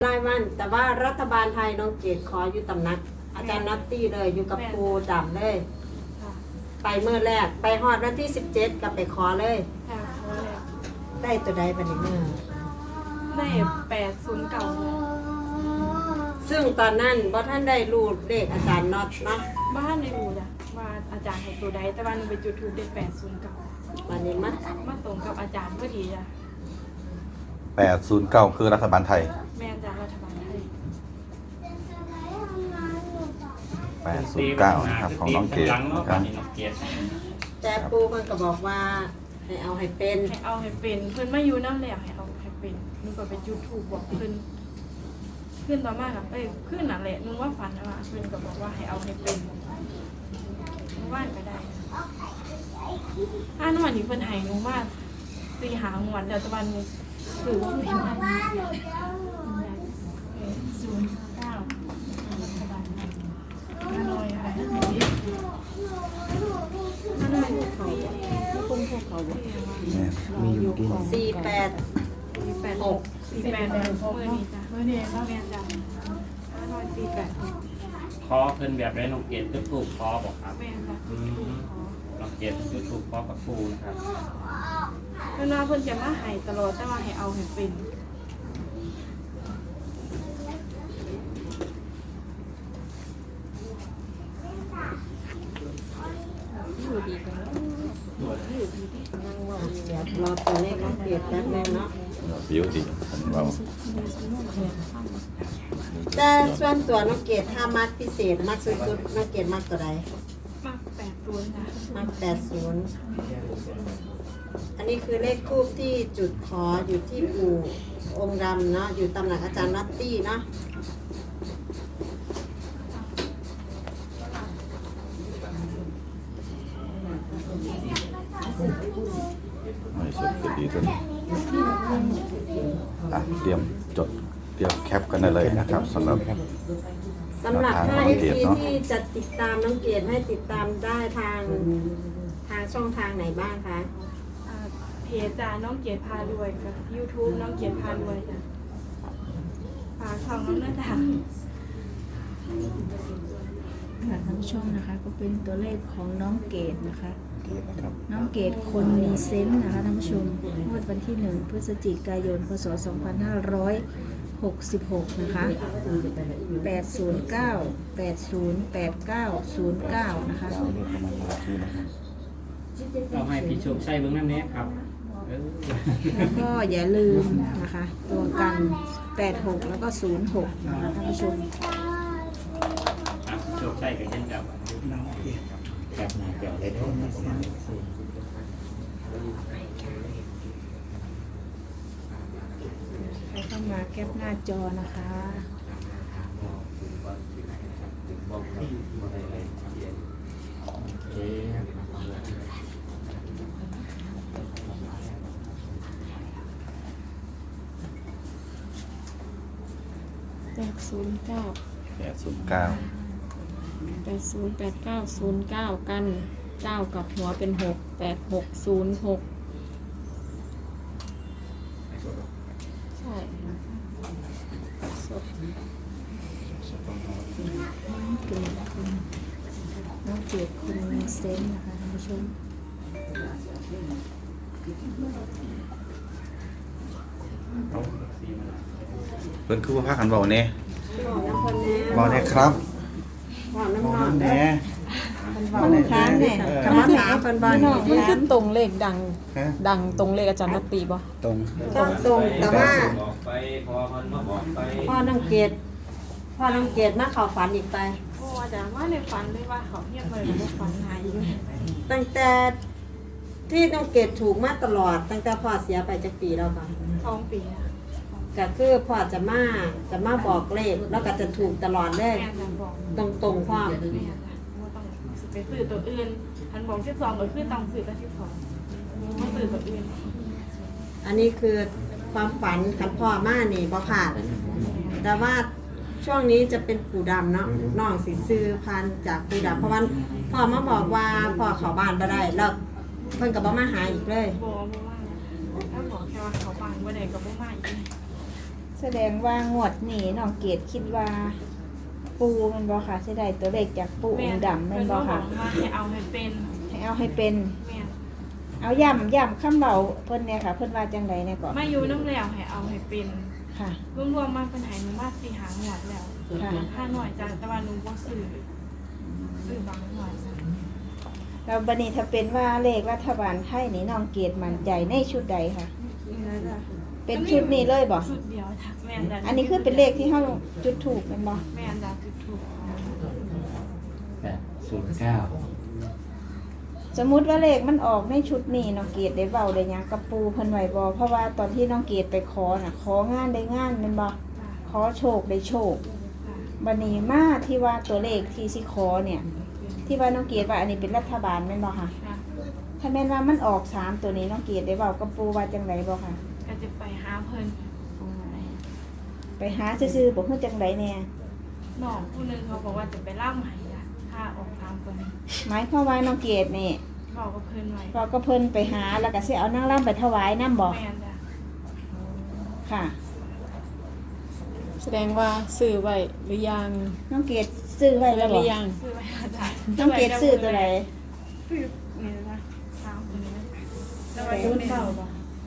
รายวันแต่ว่ารัฐบาลไทยน้องเกดขออยู่ตำหนัก อาจารย์นัตตี้เลยอยู่กับครูดำเลย ไปเมื่อแรกไปฮอดวันที่17กับไปขอเลยค่ะขอเลยได้ตัวใดบัดนี้เมื่อได้809เลยซึ่งตอนนั้นบ่ท่านได้รู้เลขอาจารย์น็อตเนาะบ้านในรูจ้ะว่าอาจารย์ให้ตัวใดแต่ว่าหนูไปจุดทูปได้809 วันนี้มามาตรงกับอาจารย์พอดีจ้ะ 809คือรัฐบาลไทยแม่นจากรัฐบาลไทย 809นะครับของน้องเกดนะครับแต่ปูมันก็บอกว่าให้เอาให้เป็นให้เอาให้เป็นเพิ่นมาอยู่น้ำแหลกให้เอาให้เป็นหนูก็ไปจุดทูปบอกเพิ่นขึ้นต่อมากับขึ้นนั่นแหละหนูว่าฝันนะว่าเพิ่นก็บอกว่าให้เอาให้เป็นหนูว่าก็ได้ถ้าหนูวันนี้เพิ่นให้หนูว่า4 หางวดแล้วแต่วันนี้ถือว่าเป็น09ฮานอยอะไรฮานอยเขาคุ้มพวกเขาบอกมีอยู่กิน 48 48 6มือนี้จ้ะมือนี้เราเรียนจ้ะฮานอย48 คอเพิ่นแบบไรน้องเกดก็ถูกคอบอกครับแม่จ้ะน้องเกดก็ถูกคอกับครูนะครับเวลาเพิ่นจะมาให้ตลอดแต่ว่าให้เอาให้เป็นอยู่ดีกันแล้วอยู่ดีดีนั่งเว่าเดี๋ยวรอตัวเลขน้องเกดแป๊บนึงเนาะผิวดีเราแต่ส่วนตัวน้องเกดถ้ามักพิเศษมักสุดๆน้องเกดมักตัวใดมาก80นะมัก80อันนี้คือเลขทูปที่จุดขออยู่ที่ปู่องค์ดำเนาะอยู่ตำหนักอาจารย์นัตตี้เนาะไม่สุดก็ดีตัวนี้เตรียมจดเตรียมแคปกันได้เลยนะครับสำหรับสำหรับถ้าน้องเกด FC เนาะที่จะติดตามน้องเกดให้ติดตามได้ทางช่องทางไหนบ้างคะเพจจ้าน้องเกียรติพารวยกับ YouTube น้องเกียรติพารวยจ้ะฝากช่องน้องนะจ๊ะค่ะท่านผู้ชมนะคะก็เป็นตัวเลขของน้องเกดนะคะครับน้องเกดคนมีเซนส์นะคะท่านผู้ชมงวดวันที่ 1 พฤศจิกายน พศ 2566 นะคะ 809 8089 09 นะคะเอาให้พี่โชคชัยเบื้องน้ำเนี้ยครับแล้วก็อย่าลืมนะคะ ตัวกัน 86 แล้วก็ 06 นะคะท่านผู้ชมพี่โชคชัยกับเช่นกับน้องเกดครับมาเกี่ยวเลยประมาณใครเข้ามาแคปหน้าจอนะคะ 809 809 808909กัน9กับหัวเป็น6 8606ใช่สดน้องเกดคนมีเซนส์นะคะท่านผู้ชมเพิ่นคือว่าพากันเบาเนี่ยบอกน้ำคนแน่เบาเนี่ยครับบอกน้ำเบาหนองแน่บอกน้ำค้างเนี่ยคำว่าถามคนบ้านมันนี่คือตรงเลขดังฮะดังตรงเลขอาจารย์นัตตีบ่ตรงก็ตรงแต่ว่าบอกไปพอมันมาบอกไปพ่อน้องเกดมาเข้าฝันอีกไปโอ้อาจารย์ว่าในฝันเลยว่าเขาเงียบเลยในฝันหายอยู่ตั้งแต่ที่น้องเกดถูกมาตลอด ตั้งแต่พ่อเสียไปจากปีแล้วก่อน 2 ปีนะก็คือพ่อจะมาบอกเลขแล้วก็จะถูกตลอดเลยแม่อาจารย์บอกตรงพ่อแม่อาจารย์ว่าต้องไปซื้อตัวอื่นอันบอก12ก็คือต้องซื้อตัว12ไม่ซื้อตัวอื่นอันนี้คือความฝันคันพ่อมานี่บ่ผ่านแต่ว่าช่วงนี้จะเป็นปู่ดำเนาะน้องสิซื้อพันธุ์จากปู่ดำเพราะว่าพ่อมาบอกว่าพ่อเข้าบ้านบ่ได้แล้วเพิ่นก็บ่มาหาอีกเลยบอกว่าถ้าบอกแค่ว่าเขาฟังว่าใดก็บ่มาอีกแสดงว่างวดนี้น้องเกดคิดว่า ปูแมันบ่ค่ะสิได้ตัวเลขจากปูองค์ดำแมันบ่ค่ะเพิ่นว่าให้เอาให้เป็นให้เอาให้เป็นแม่นเอาย่ำคำเบาเพิ่นเนี่ยค่ะ เพิ่นว่าจังไดเนี่ยก่อนมาอยู่น้ำแล้วให้เอาให้เป็นค่ะรวมๆมาเป็นไหหนูมา4หาหวดแล้วค่ะถ้าหน่อยจ้ะแต่ว่าหนูบ่ซื้อบางหน่อยจ้ะแล้วบัดนี้ถ้าเป็นว่าเลขรัฐบาลไทยนี่น้องเกดมั่นใจในชุดใดค่ะนี่นะจ้ะเป็นชุดนี้เลยบ่ชุดเดียวจ้ะแม่นจ้ะอันนี้คือเป็นเลขที่เฮาจุดถูกแม่นบ่แม่นจ้ะจุดถูก 809 สมมุติว่าเลขมันออกในชุดนี้น้องเกดได้เว้าได้หยังกับปูเพิ่นไว้บ่เพราะว่าตอนที่น้องเกดไปขอน่ะของานได้งานแม่นบ่จ้ะขอโชคได้โชคจ้ะบันนี้มาที่ว่าตัวเลขที่สิขอเนี่ย ที่ว่าน้องเกียรติว่าอันนี้เป็นรัฐบาลแม่นบ่ค่ะจ้ะถ้าแม่นว่ามันออก3ตัวนี้น้องเกียรติได้เว้ากับปูว่าจังไดบ่ค่ะก็จะไปหาเพิ่นไปหาซื่อๆบ่ฮู้จังไดแน่น้องผู้หนึงเขาบอกว่าจะไปล่ำให้จ้ะถ้าออกตามตัวนี้หมายความว่าน้องเกียรตินี่บอกกับเพิ่นไว้เราก็เพิ่นไปหาแล้วก็สิเอานางรำไปถวายนำบ่แม่นจ้ะค่ะแสดงว่าซื้อไว้หรือยังน้องเกียรติซื้อไว้ซื้อแล้วหบ่รือยังซื้อไว้แล้วจ้ะน้องเกียรติซื้อตัวใดซื้อนี่นะตามตัวนี้นะแต่ว่าอยู่ในเก่าบ่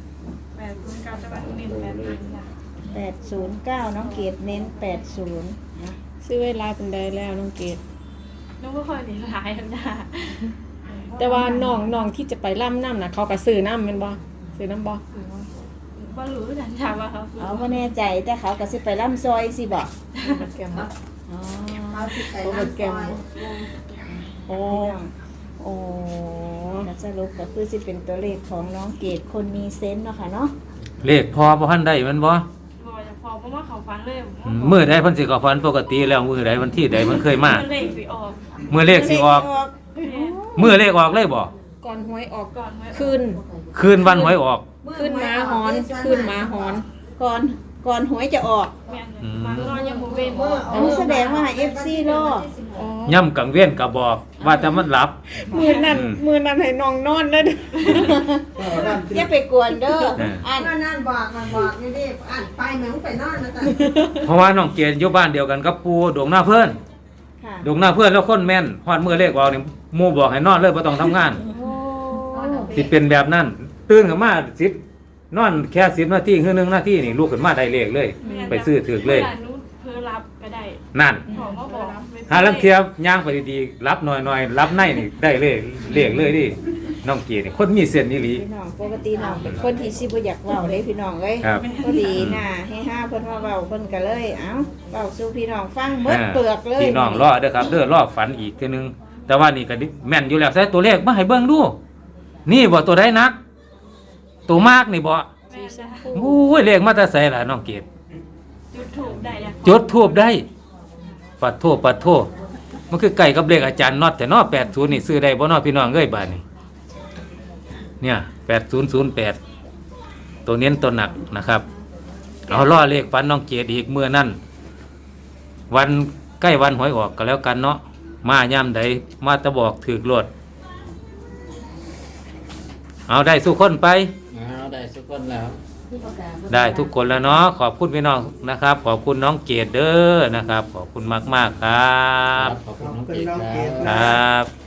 809แต่ว่าหนูเน้น8จ้ะ 809น้องเกียรติเน้น80นะซื้อไว้หลายเป็นใดแล้วน้องเกดหนูก็ค่อยเน้นหลายจ้ะแต่ว่าน้องที่จะไปล่ำน้ำนะเขาก็ซื้อน้ำแม่นบ่ซื้อน้ำบ่ซื้อว่าบ่รู้จันจ้ะว่าเขาซื้อเอาบ่แน่ใจแต่เขาก็สิไปร่ำซอยสิบ่แกมบ่อ๋อเอาสิไปน้ำซอยโอ้โอ้แล้วสรุปก็คือสิเป็นตัวเลขของน้องเกดคนมีเซนส์เนาะค่ะเนาะเลขพอบ่ทันได้แมันบ่บ่จะพอเพราะว่าเขาฟันเลยมื้อใดเพิ่นสิเข้าฝันปกติแล้วมื้อใดวันที่ใดเพิ่นเคยมาเลขสิออกมื้อเลขสิออก มื้อเลขออกเลยบ่ก่อนหวยออกก่อนไว้คืนคืนวันหวยออกขึ้นหมาหอนขึ้นหมาหอนก่อนหวยจะออกแม่นเลยมานอนยังบ่เว้นอันนี้แสดงว่า FC รออ๋อย่ำกังเว้นก็บอกว่าแต่มันหลับมือนั้นให้น้องนอนเลยเด้ออย่าไปกวนเด้อ อันก็นั่นบอกอยู่ดิอ่านไปเหมือนไปนอนนะจ๊ะเพราะว่าน้องเกดอยู่บ้านเดียวกันกับปู่ดวงหน้าเพิ่นค่ะดวงหน้าเพิ่นแล้วคนแม่นฮอดมื้อเลขออกนี่หมู่บอกให้นอนเลยบ่ต้องทำงานโอ้สิเป็นแบบนั้น ตื่นขึ้นมา10นอนแค่10นาทีคือ1นาทีนี่ลุกขึ้นมาได้เลขเลย ไปซื้อถือเลยวาหนูเพิ่นรับก็ได้นั่นขอมาบอกหาลังเทียบย่างไปดีๆรับหน่อยๆรับในนี่ได้เลยเลขเลยดิน้องเกียรตินี่คนมีเส้นนี่หลีพี่น้องปกติน้องเป็นคนที่สิบ่อยากเว้าเลยพี่น้องเอ้ยครับพอดีน่ะให้ห้าเพิ่นว่าเว้าเพิ่นก็เลย เอ้าเว้าสู่พี่น้องฟังเบิดเปลือกเลยพี่น้องรอเด้อครับเด้อรอฝันอีกเทีนึง แต่ว่านี่ก็แม่นอยู่แล้วใส่ตัวเลขมาให้เบิ่งดู นี่บ่ตัวใดนัก ตัวมากนี่บ่แม่จ้ะโอ้ยเลขมาแต่ไสล่ะน้องเกียรติจุดถูกได้แล้วจุดทูบได้ปัดโทมันคือไก่กับเลขอาจารย์น็อตแต่เนาะ80นี่ซื้อได้บ่เนาะพี่น้องเอ้ยบาดนี้เนี่ย8008ตัวเน้นตัวหนักนะครับเอาล่อเลขฝันน้องเกียรติอีกมื้อนั้นวันใกล้วันหวยออกก็แล้วกันเนาะมายามใดมาตะบอกถูกโลดเอาได้สู้คนไปเอาได้ทุกคนแล้วได้ทุกคนแล้วเนาะขอบคุณพี่น้องนะครับ ขอบคุณน้องเกดเด้อนะครับ ขอบคุณมากๆครับขอบคุณน้องเกดคครัรับ บ